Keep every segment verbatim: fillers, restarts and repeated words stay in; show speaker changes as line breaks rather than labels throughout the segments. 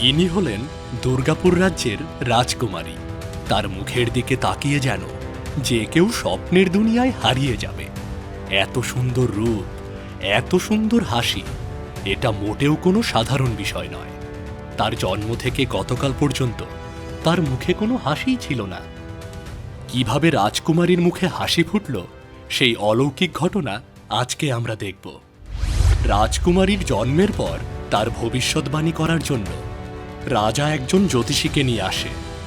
ইনি হলেন দুর্গাপুর রাজ্যের রাজকুমারী। তার মুখের দিকে তাকিয়ে যেন যে কেউ স্বপ্নের দুনিয়ায় হারিয়ে যাবে। এত সুন্দর রূপ, এত সুন্দর হাসি, এটা মোটেও কোনো সাধারণ বিষয় নয়। তার জন্ম থেকে গতকাল পর্যন্ত তার মুখে কোনো হাসিই ছিল না। কিভাবে রাজকুমারীর মুখে হাসি ফুটল সেই অলৌকিক ঘটনা আজকে আমরা দেখব। রাজকুমারীর জন্মের পর তার ভবিষ্যৎবাণী করার জন্য রাজা একজন জ্যোতিষীকে নিয়ে আসে।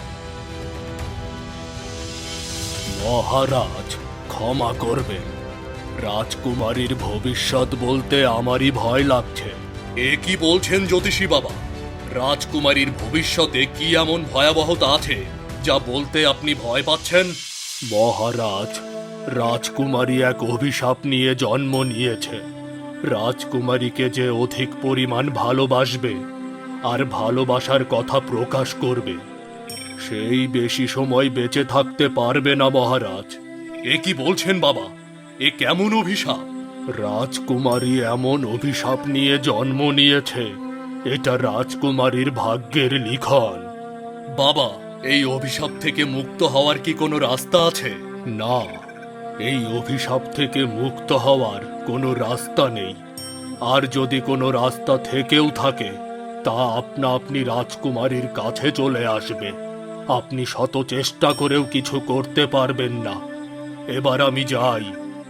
মহারাজ, ক্ষমা করবেন, রাজকুমারীর ভবিষ্যৎ বলতে আমারই ভয় লাগছে। এ কি বলছেন জ্যোতিষী বাবা? রাজকুমারীর ভবিষ্যতে কি এমন ভয়াবহতা আছে যা বলতে আপনি ভয় পাচ্ছেন? মহারাজ, রাজকুমারী এক অভিশাপ নিয়ে জন্ম নিয়েছে। রাজকুমারীকে যে অধিক পরিমাণ ভালোবাসবে আর ভালোবাসার কথা প্রকাশ করবে, সেই বেশি সময় বেঁচে থাকতে পারবে না মহারাজ। এ কি বলছেন বাবা? এ কেমন অভিশাপ? রাজকুমারী এমন অভিশাপ নিয়ে জন্ম নিয়েছে, এটা রাজকুমারীর ভাগ্যের লিখন। বাবা, এই অভিশাপ থেকে মুক্ত হওয়ার কি কোনো রাস্তা আছে? না, এই অভিশাপ থেকে মুক্ত হওয়ার কোনো রাস্তা নেই। আর যদি কোনো রাস্তা থেকেও থাকে, তা আপনা আপনি রাজকুমারীর কাছে চলে আসবে। আপনি শত চেষ্টা করেও কিছু করতে পারবেন না। এবার আমি যাই।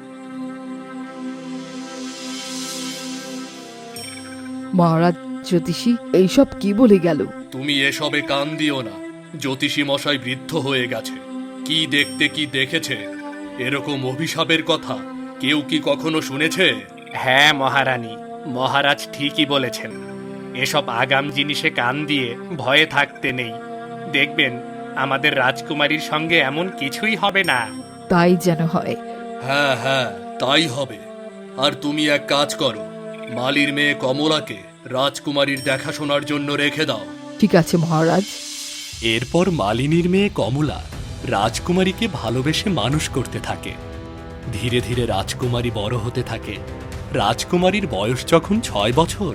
মহারাজ, জ্যোতিষী এইসব কি বলে গেল?
তুমি এসবে কান দিও না। জ্যোতিষী মশাই বৃদ্ধ হয়ে গেছে, কি দেখতে কি দেখেছে। এরকম অভিশাপের কথা কেউ কি কখনো শুনেছে?
হ্যাঁ মহারানী, মহারাজ ঠিকই বলেছেন। এসব আগাম জিনিসে কান দিয়ে ভয়ে থাকতে নেই। দেখবেন আমাদের রাজকুমারীর সঙ্গে এমন কিছুই হবে না।
তাই যেন হয়।
হ্যাঁ হ্যাঁ, তাই হবে। আর তুমি এক কাজ করো, মালির মেয়ে কমলাকে রাজকুমারীর দেখাশোনার জন্য রেখে দাও।
ঠিক আছে মহারাজ।
এরপর মালিনীর মেয়ে কমলা রাজকুমারীকে ভালোবেসে মানুষ করতে থাকে। ধীরে ধীরে রাজকুমারী বড় হতে থাকে। রাজকুমারীর বয়স যখন ছয় বছর।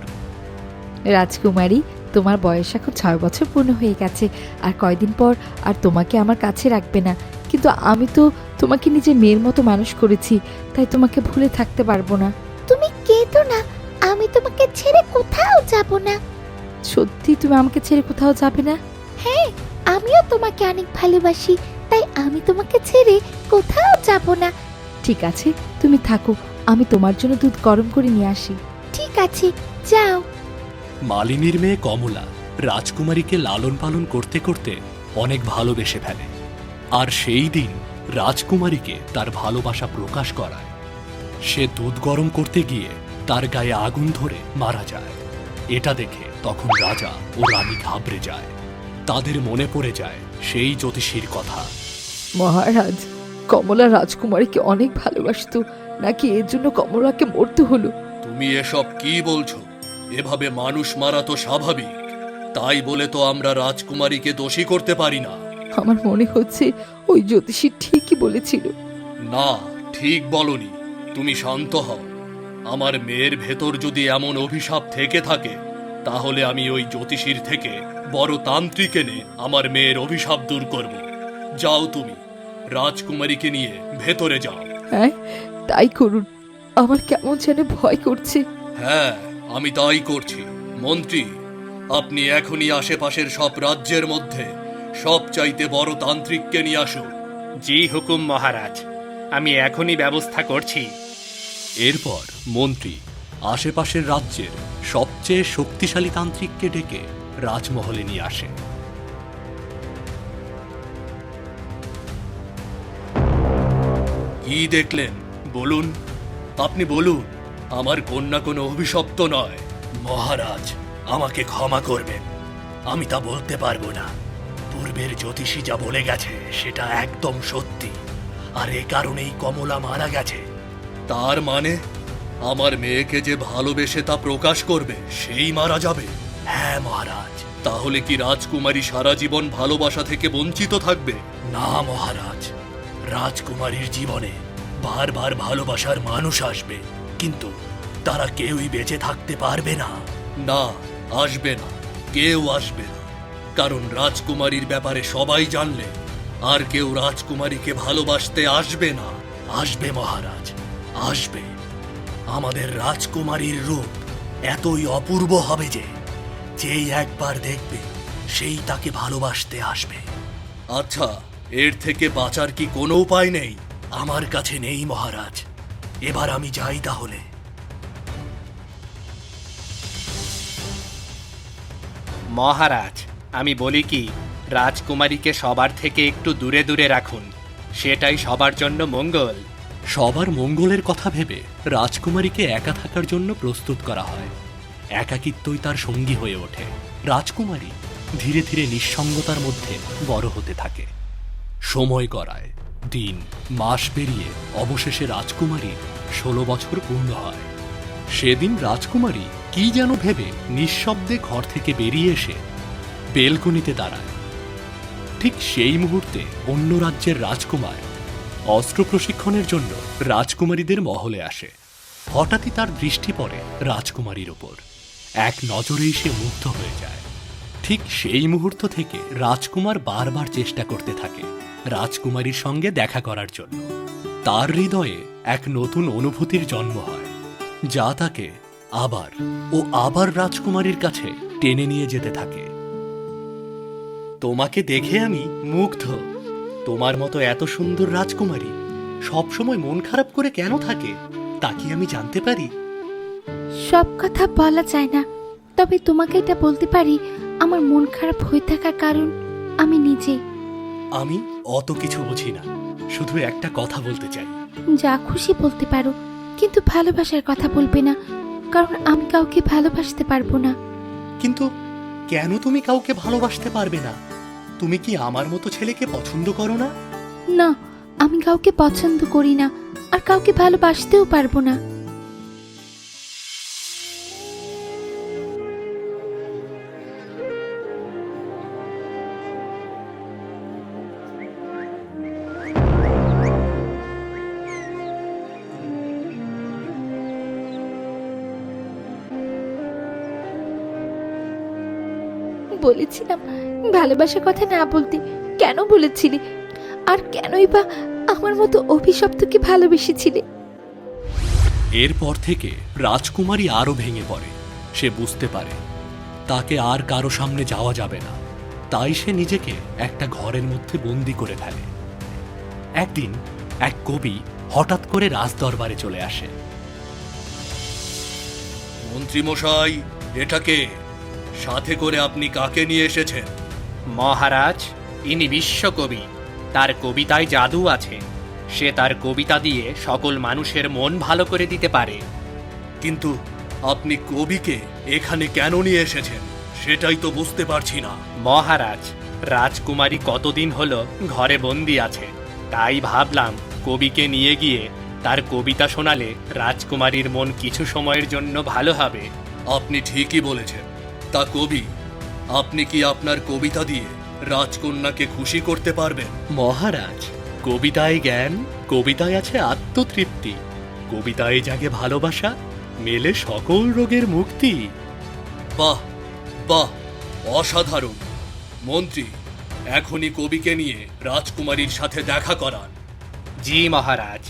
রাজকুমারী, তোমার বয়স এখন ছয় বছর পূর্ণ হয়ে গেছে। আর কয়দিন পর আর তোমাকে আমার কাছে রাখবে না। কিন্তু আমি তো তোমাকে নিজের মেয়ের মতো মানুষ করেছি, তাই তোমাকে ভুলে থাকতে পারবো না।
তুমি কেঁদো না, আমি তোমাকে ছেড়ে কোথাও যাব না।
সত্যি তুমি আমাকে ছেড়ে কোথাও যাবে না?
হ্যাঁ, আমিও তোমাকে অনেক ভালোবাসি, তাই আমি তোমাকে ছেড়ে কোথাও যাব না।
ঠিক আছে, তুমি থাকো, আমি তোমার জন্য দুধ গরম করে নিয়ে আসি।
ঠিক আছে, যাও।
মালিনীর মেয়ে কমলা রাজকুমারীকে লালন পালন করতে করতে অনেক ভালোবেসে ফেলে। আর সেই দিন রাজকুমারীকে তার ভালোবাসা প্রকাশ করায়। সে দুধ গরম করতে গিয়ে তার গায়ে আগুন ধরে মারা যায়। এটা দেখে তখন রাজা ও রানী ঘাবড়ে যায়। তাদের মনে পড়ে যায় সেই জ্যোতিষীর কথা।
মহারাজ, কমলা রাজকুমারীকে অনেক ভালোবাসতো, নাকি এর জন্য কমলাকে মরতে হলো?
তুমি এসব কি বলছো? এভাবে মানুষ মারা তো স্বাভাবিক। তাই বলে তো আমরা রাজকুমারীকে দোষী করতে পারি না।
আমার মনে হচ্ছে ওই জ্যোতিষী ঠিকই বলেছিল।
না, ঠিক বলনি। তুমি শান্ত হও। আমার মেয়ের ভেতর যদি এমন অভিশাপ থেকে থাকে, তাহলে আমি ওই জ্যোতিষীর থেকে বড় তান্ত্রিক এনে আমার মেয়ের অভিশাপ দূর করব। যাও, তুমি রাজকুমারীকে নিয়ে ভেতরে যাও।
হ্যাঁ, তাই করুন। আমার কেমন যেন ভয় করছে।
হ্যাঁ, আমি তাই করছি। মন্ত্রী, আপনি এখনই আশেপাশের সব রাজ্যের মধ্যে সবচাইতে বড় তান্ত্রিককে নিয়ে আসুন।
জি হুকুম মহারাজ, আমি এখনই ব্যবস্থা করছি।
এরপর মন্ত্রী আশেপাশের রাজ্যের সবচেয়ে শক্তিশালী তান্ত্রিককে ডেকে রাজমহলে নিয়ে আসে। কি দেখলেন বলুন? আপনি বলুন। আমার কন্যা কোনো অভিশপ্ত নয়। মহারাজ, আমাকে ক্ষমা করবেন, আমি তা বলতে পারবো না। পূর্বের জ্যোতিষী যা বলে গেছে সেটা একদম সত্যি। আর এ কারণেই কমলা মারা গেছে। তার মানে আমার মেয়েকে যে ভালোবেসে তা প্রকাশ করবে সেই মারা যাবে? হ্যাঁ মহারাজ। তাহলে কি রাজকুমারী সারা জীবন ভালোবাসা থেকে বঞ্চিত থাকবে? না মহারাজ, রাজকুমারীর জীবনে বারবার ভালোবাসার মানুষ আসবে, কিন্তু তারা কেউই বেঁচে থাকতে পারবে না। না, আসবে না। কেউ আসবে না, কারণ রাজকুমারীর ব্যাপারে সবাই জানলে আর কেউ রাজকুমারীকে ভালোবাসতে আসবে না। আসবে মহারাজ, আসবে। আমাদের রাজকুমারীর রূপ এতই অপূর্ব হবে যে যেই একবার দেখবে সেই তাকে ভালোবাসতে আসবে। আচ্ছা, এর থেকে বাঁচার কি কোনো উপায় নেই? আমার কাছে নেই মহারাজ। এবার আমি যাই তাহলে।
মহারাজ, আমি বলি কি, রাজকুমারীকে সবার থেকে একটু দূরে দূরে রাখুন, সেটাই সবার জন্য মঙ্গল।
সবার মঙ্গলের কথা ভেবে রাজকুমারীকে একা থাকার জন্য প্রস্তুত করা হয়। একাকিত্বই তার সঙ্গী হয়ে ওঠে। রাজকুমারী ধীরে ধীরে নিঃসঙ্গতার মধ্যে বড় হতে থাকে। সময় গড়ায়, দিন মাস পেরিয়ে অবশেষে রাজকুমারীর ষোলো বছর পূর্ণ হয়। সেদিন রাজকুমারী কি যেন ভেবে নিঃশব্দে ঘর থেকে বেরিয়ে এসে বেলকনিতে দাঁড়ায়। ঠিক সেই মুহূর্তে অন্য রাজ্যের রাজকুমার অস্ত্র প্রশিক্ষণের জন্য রাজকুমারীদের মহলে আসে। হঠাৎই তার দৃষ্টি পড়ে রাজকুমারীর ওপর। এক নজরেই সে মুগ্ধ হয়ে যায়। ঠিক সেই মুহূর্ত থেকে রাজকুমার বারবার চেষ্টা করতে থাকে রাজকুমারীর সঙ্গে দেখা করার জন্য। তার হৃদয়ে এক নতুন অনুভূতির জন্ম হয়, যা তাকে আবার ও আবার রাজকুমারীর কাছে টেনে নিয়ে যেতে থাকে। তোমাকে দেখে আমি মুগ্ধ। তোমার মতো এত সুন্দর রাজকুমারী সবসময় মন খারাপ করে কেন থাকে তা কি আমি জানতে পারি?
সব কথা বলা যায় না, তবে তোমাকে এটা বলতে পারি, আমার মন খারাপ হয়ে থাকার কারণ আমি নিজে।
আমি অত কিছু বুঝি না, শুধু একটা কথা বলতে চাই।
যা খুশি বলতে পারো, কিন্তু ভালোবাসার কথা বলবে না, কারণ আমি কাউকে ভালোবাসতে পারবো না।
কিন্তু কেন তুমি কাউকে ভালোবাসতে পারবে না? তুমি কি আমার মতো ছেলেকে পছন্দ করো না?
না, আমি কাউকে পছন্দ করি না, আর কাউকে ভালোবাসতেও পারবো না। বলেছিলাম ভালোবাসার কথা না বলতে, কেন বলেছিলি? আর কেনই বা আমার মতো অভিশপ্তকে ভালোবেসেছিলে?
এরপর থেকে রাজকুমারী আরো ভেঙে পড়ে। সে বুঝতে পারে তাকে আর কারো সামনে যাওয়া যাবে না, তাই সে নিজেকে একটা ঘরের মধ্যে বন্দি করে ফেলে। একদিন এক কবি হঠাৎ করে রাজদরবারে চলে আসে। মন্ত্রী মশাই, এটাকে সাথে করে আপনি কাকে নিয়ে এসেছেন?
মহারাজ, ইনি বিশ্বকবি। তার কবিতায় জাদু আছে। সে তার কবিতা দিয়ে সকল মানুষের মন ভালো করে দিতে পারে।
কিন্তু আপনি কবিকে এখানে কেন নিয়ে এসেছেন সেটাই তো বুঝতে পারছি না।
মহারাজ, রাজকুমারী কতদিন হলো ঘরে বন্দি আছে, তাই ভাবলাম কবিকে নিয়ে গিয়ে তার কবিতা শোনালে রাজকুমারীর মন কিছু সময়ের জন্য ভালো হবে।
আপনি ঠিকই বলেছেন। তা কবি, আপনি কি আপনার কবিতা দিয়ে রাজকন্যাকে খুশি করতে পারবেন? মহারাজ, কবিতায় জ্ঞান, কবিতায় আছে আত্মতৃপ্তি, কবিতায় জাগে ভালোবাসা, মেলে সকল রোগের মুক্তি। বাহ বাহ, অসাধারণ। মন্ত্রী, এখনই কবিকে নিয়ে রাজকুমারীর সাথে দেখা করান।
জি মহারাজ।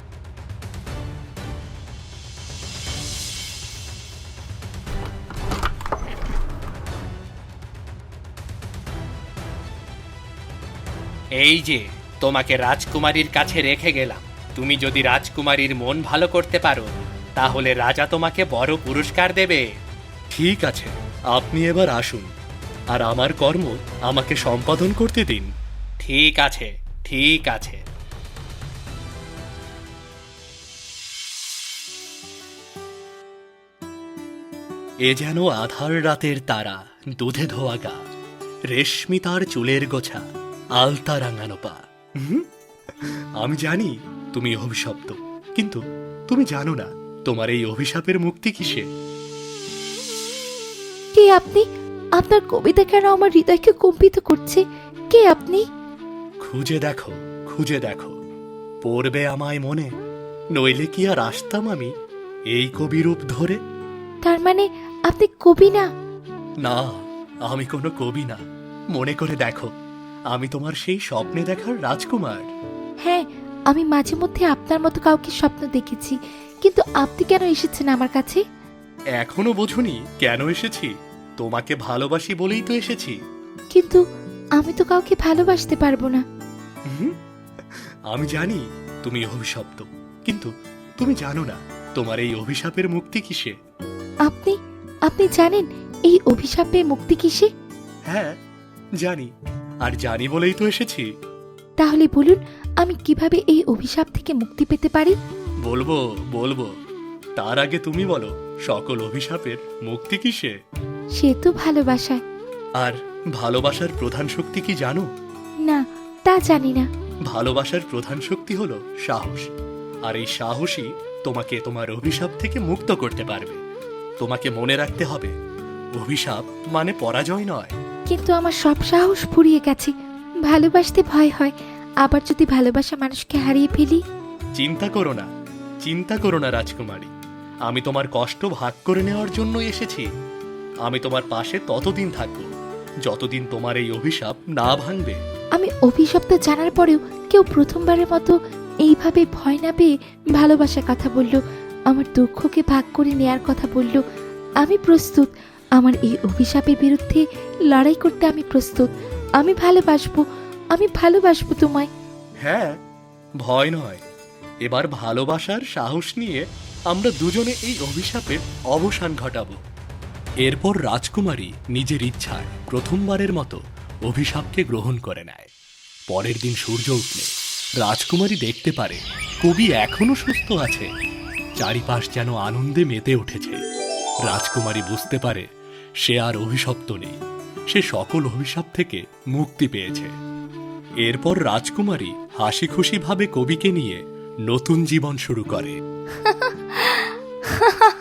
এই যে তোমাকে রাজকুমারীর কাছে রেখে গেলাম। তুমি যদি রাজকুমারীর মন ভালো করতে পারো, তাহলে রাজা তোমাকে বড় পুরস্কার দেবে।
ঠিক আছে, আপনি এবার আসুন, আর আমার কর্ম আমাকে সম্পাদন করতে দিন।
ঠিক আছে, ঠিক আছে।
এ যেন আধার রাতের তারা, দুধে ধোয়া গা, রেশমি তার চুলের গোছা, আলতা রাঙানো পা। হুম, আমি জানি তুমি অভিশপ্ত, কিন্তু তুমি জানো না তোমার এই অভিশাপের মুক্তি কিসে।
কে আপনি? আপনার কবিতা কেন আমার হৃদয়কে কম্পিত করছে? কে আপনি?
খুঁজে দেখো, খুঁজে দেখো, পড়বে আমায় মনে, নইলে কি আর আসতাম আমি এই কবি রূপ ধরে?
তার মানে আপনি কবি না?
না, আমি কোনো কবি না। মনে করে দেখো, আমি তোমার সেই স্বপ্নে দেখার রাজকুমার।
হ্যাঁ, আমি মাঝে মধ্যে আপনার মতো কাউকে স্বপ্ন দেখেছি, কিন্তু আপনি কেন এসেছেন আমার কাছে?
এখনো বোঝনি কেন এসেছি? তোমাকে ভালোবাসি বলেই তো এসেছি।
কিন্তু আমি তো কাউকে ভালোবাসতে পারবো না।
হুম, আমি জানি তুমি অভিশপ্ত, কিন্তু তুমি জানো না তোমার এই অভিশাপের মুক্তি কিসে।
আপনি আপনি জানেন এই অভিশাপে মুক্তি কিসে?
হ্যাঁ জানি, আর জানি বলেই তো এসেছি।
তাহলে বলুন, আমি কিভাবে এই অভিশাপ থেকে মুক্তি পেতে পারি?
বলবো বলবো তার আগে তুমি বলো, সকল অভিশাপের মুক্তি কিসে?
সে তো ভালোবাসায়।
আর ভালোবাসার প্রধান শক্তি কি জানো?
না, তা জানি না।
ভালোবাসার প্রধান শক্তি হলো সাহস, আর এই সাহসই তোমাকে তোমার অভিশাপ থেকে মুক্ত করতে পারবে। তোমাকে মনে রাখতে হবে, অভিশাপ মানে পরাজয় নয়।
কিন্তু আমার সব সাহস ফুরিয়ে গেছে। ভালোবাসতে ভয় হয়। আবার যদি ভালোবাসা মানুষকে হারিয়ে ফেলি?
চিন্তা করো না, চিন্তা করো না রাজকুমারী, আমি তোমার কষ্ট ভাগ করে নেওয়ার জন্য এসেছি। আমি তোমার পাশে ততদিন থাকবো যতদিন তোমার এই অভিশাপ না ভাঙবে।
আমি অভিশপ্ত জানার পরেও কেউ প্রথমবারের মতো এইভাবে ভয় না পেয়ে ভালোবাসার কথা বলল, আমার দুঃখকে ভাগ করে নেয়ার কথা বলল। আমি প্রস্তুত। আমার এই অভিশাপের বিরুদ্ধে লড়াই করতে আমি প্রস্তুত। আমি ভালোবাসবো, আমি ভালোবাসবো তোমায়।
হ্যাঁ, ভয় নয়, এবার ভালোবাসার সাহস নিয়ে আমরা দুজনে এই অভিশাপের অবসান ঘটাবো। এরপর রাজকুমারী নিজের ইচ্ছায় প্রথমবারের মতো অভিশাপকে গ্রহণ করে নেয়। পরের দিন সূর্য উঠলে রাজকুমারী দেখতে পারে কবি এখনো সুস্থ আছে। চারিপাশ যেন আনন্দে মেতে উঠেছে। রাজকুমারী বুঝতে পারে সে আর অভিশপ্ত নেই, সে সকল অভিশাপ থেকে মুক্তি পেয়েছে। এরপর রাজকুমারী হাসি খুশি ভাবে কবিকে নিয়ে নতুন জীবন শুরু করে।